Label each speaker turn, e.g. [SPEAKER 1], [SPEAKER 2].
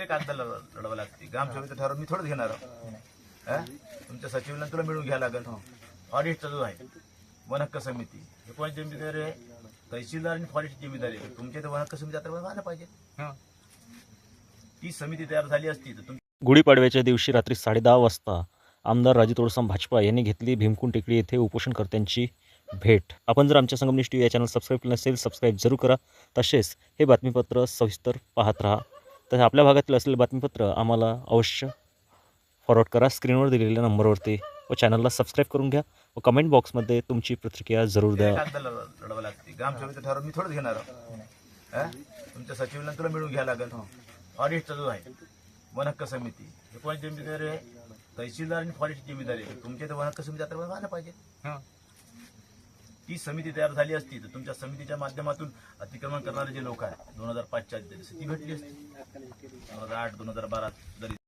[SPEAKER 1] वगैरे कागदाला लढावं लागते. ग्रामसभेचं ठराव मी थोडंच घेणार आहोत. तुमच्या सचिवांना तुला मिळून घ्यायला लागेल. ऑडिटचा जो आहे वन हक्क समिती हे कोणाची जिम्मेदारी आहे? तहसीलदार आणि फॉरेस्टची जिम्मेदारी आहे. तुमच्या इथे वन हक्क समिती आता व्हायला पाहिजे. ती समिती तयार झाली असती तर
[SPEAKER 2] गुढीपाडव्याच्या दिवशी रात्री 10:30 वाजता आमदार राजू तोडसम भाजपा यांनी घेतली भीमकुंड टेकडी येथे उपोषणकर्त्यांची भेट. आपण जर आमच्या संगमनेर टीव्ही या चॅनल सबस्क्राईब केलं नसेल सबस्क्राईब जरूर करा. तसेच हे बातमीपत्र सविस्तर पाहत राहा. तर आपल्या भागातील असलेले बातमीपत्र आम्हाला अवश्य फॉरवर्ड करा स्क्रीनवर दिलेल्या नंबरवरती व चॅनलला सबस्क्राईब करून घ्या व कमेंट बॉक्समध्ये तुमची प्रतिक्रिया जरूर द्या.
[SPEAKER 1] कागदाला लढावं लागते. ग्रामसभेचं ठराव मी थोडंच घेणार आहोत. तुमच्या सचिवांना तुला मिळून घ्यायला लागेल. ऑडिटचा जो आहे वन हक्क समिती हे कोणाची जिम्मेदारी आहे? तहसीलदार आणि फॉरेस्टची जिम्मेदारी आहे. तुमच्या इथे वन हक्क समिती आता व्हायला पाहिजे. ती समिती तयार झाली असती तर तुमच्या समितीच्या माध्यमातून अतिक्रमण करणारे जे लोक आहेत 2005च्या ती भेटली असती. 2008 2012 जरी